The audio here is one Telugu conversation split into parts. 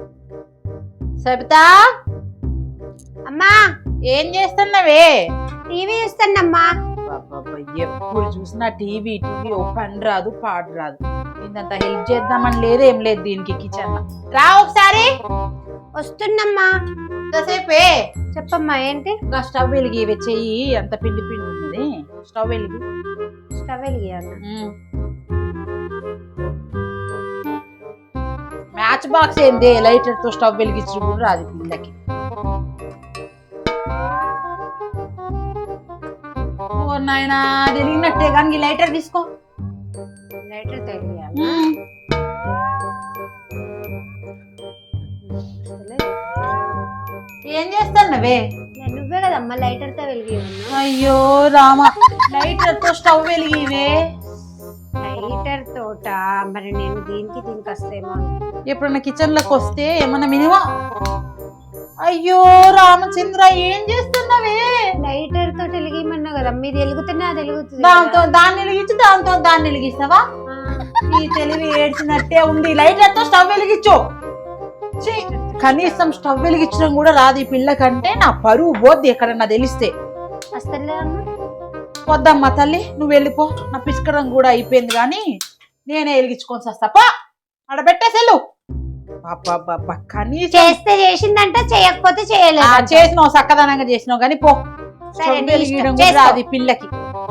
సబితా అమ్మా ఏం చేస్తున్నావే? టీవీ చూస్తానమ్మా. ఎప్పుడు చూసినా టీవీ టీవీ ఓ పని రాదు పాడు రాదు. ఇంతంత హెల్ప్ చేద్దామని లేదు ఏం లేదు దీనికి కిచెన్ రా ఒకసారి. వస్తున్నమ్మా. ఎంతసేపే? చెప్పమ్మా ఏంటి? స్టవ్ వెలిగి చెయ్యి, అంత పిండి పిండి ఉన్నది. స్టవ్ వెలిగి స్టవ్ వెలిగియాలి. మ్యాచ్ బాక్స్ ఏంది లైటర్ తో స్టవ్ వెలిగించు కూడా రాదు పిల్లకి. నాయనా వెలిగినట్టే కానీ లైటర్ తీసుకో. లైటర్ తెలియాలి. ఏం చేస్తానవే? నువ్వే కదమ్మా లైటర్ తో వెలిగి. అయ్యో రామా, లైటర్ తో స్టవ్ వెలిగివే. లైటర్ తోట మరి నేను దీనికి వస్తేమో. ఎప్పుడన్నా కిచెన్ లోకి వస్తే ఏమన్నా మినిమం. అయ్యో రామచంద్ర ఏం చేస్తున్నావే? లైటర్ తోటి వెలిగిమన్నావు కదా, మీది వెలుగుతున్నా అది వెలుగుతుంది. దాంతో దాన్ని వెలిగించు, దాంతో దాన్ని వెలిగిస్తావా? ఈ తెలివి ఏడ్చినట్టే ఉంది. లైటర్ తో స్టవ్ వెలిగించు. కనీసం స్టవ్ వెలిగించడం కూడా రాదు ఈ పిల్లకంటే. నా పరువు పోద్ది ఎక్కడన్నా తెలిస్తే. వద్దమ్మా తల్లి, నువ్వు వెళ్ళిపో. నా పిసుకడం కూడా అయిపోయింది కానీ నేనే వెలిగించుకొని వస్తాపా. అక్కడ పెట్టేసెళ్ళు. కనీసం చేస్తే చేసిందంట, చేయకపోతే చేయలేదు. చేసినావు, చక్కదనంగా చేసినావు కానీ పో. వెలిగించడం కూడా రాదు ఈ పిల్లకి.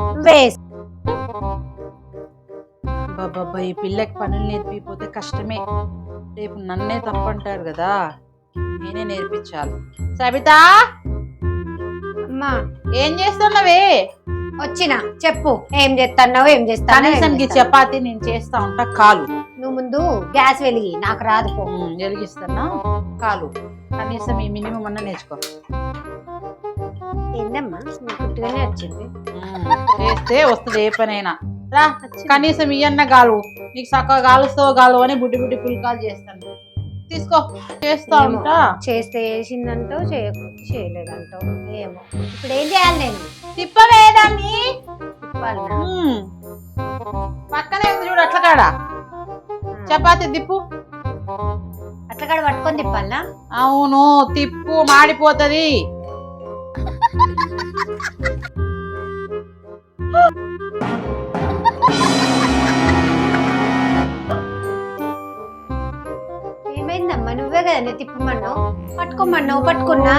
బాబా ఈ పిల్లకి పనులు నేర్పిపోతే కష్టమే. రేపు నన్నే తప్పంటారు కదా, నేనే నేర్పించాలి. సబితా అమ్మా ఏం చేస్తున్నావే? వచ్చినా చెప్పు. ఏం చేస్తున్నావు? ఏం చేస్తాను? కనీసం చపాతి నేను చేస్తా ఉంటా. కాలు నువ్వు ముందు గ్యాస్ వెలిగి, నాకు రాదు. వెలిగిస్తున్నా కాలు. కనీసం ఈ మినిమం అన్నా నేర్చుకో. ఏందమ్మా పుట్టుగానే వచ్చింది. చేస్తే వస్తుంది ఏ పనైనా. రా కనీసం ఇయన్న గాలు. నీకు చక్కగా గాలుస్తావు గాలు అని బుడ్డి బుడ్డి పుల్కాలు చేస్తాను. తీసుకో, చేస్తా ఉంటా. చేస్తే చేసిందంటావు, చేయకపోతే చేయలేదంటావు. ఏమో ఇప్పుడు ఏం చేయాలి నేను? తిప్పవేదాన్ని పక్కనే ఉంది చూడు అట్ల కాడ. చపాతి తిప్పు. అట్ల కాడ పట్టుకొని తిప్పాలా? అవును తిప్పు, మాడిపోతది. ఏమైందమ్మా? నువ్వే కదా తిప్పమన్నావు, పట్టుకోమన్నావు. పట్టుకున్నా.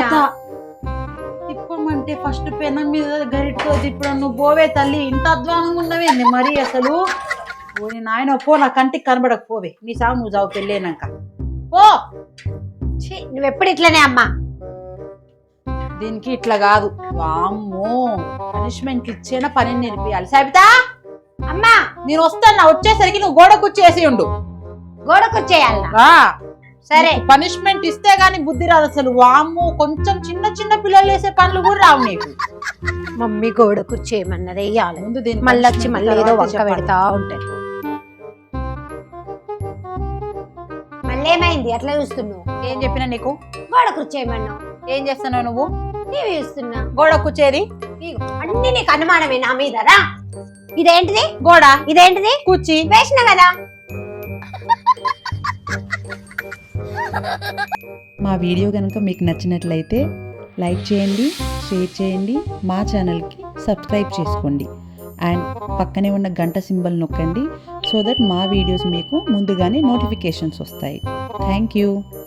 తిప్పమంటే ఫస్ట్ పెనం మీద గరిటతో తిప్పడం. నువ్వు పోవే తల్లి, ఇంత అధ్వానంగా ఉన్నవేంది మరి అసలు. ఓని నాయన పో, నా కంటికి కనబడకపోవే. నీ సాగు నువ్వు చావు పెళ్ళేనాక పో. నువ్వెప్పుడు ఇట్లనే అమ్మా. దీనికి ఇట్లా కాదు. వామ్మో, పనిష్మెంట్ ఇచ్చేనా పని నేర్పియాలి. సబితా అమ్మా నేను వస్తాను. వచ్చేసరికి నువ్వు గోడ కూర్చేసి ఉండు. గోడ కూర్చేయాలా? సరే. పనిష్మెంట్ ఇస్తే గాని బుద్ధి రాదు అసలు. వామ్మో, కొంచెం చిన్న చిన్న పిల్లలు వేసే పనులు కూడా రావు నీకు. మమ్మీ గోడ కూర్చేయమన్నది వేయాలి. ముందు దీన్ని మళ్ళీ వచ్చి మళ్ళీ ఏదో వంక పెడతా ఉంటది. మళ్ళీ ఏమైంది అట్లా చూస్తున్నావు? ఏం చెప్పినా నీకు? గోడ కూర్చేయమన్నావు. ఏం చేస్తున్నావు నువ్వు? టీవీ చూస్తున్నా. గోడ కూర్చేది అన్ని నీకు అనుమానమే నా మీద. రా, ఇదేంటిది? గోడ. ఇదేంటిది? కూర్చి వేసిన కదా. మా వీడియో కనుక మీకు నచ్చినట్లయితే లైక్ చేయండి, షేర్ చేయండి, మా ఛానల్కి సబ్స్క్రైబ్ చేసుకోండి. అండ్ పక్కనే ఉన్న గంట సింబల్ నొక్కండి సో దట్ మా వీడియోస్ మీకు ముందుగానే నోటిఫికేషన్స్ వస్తాయి. Thank you.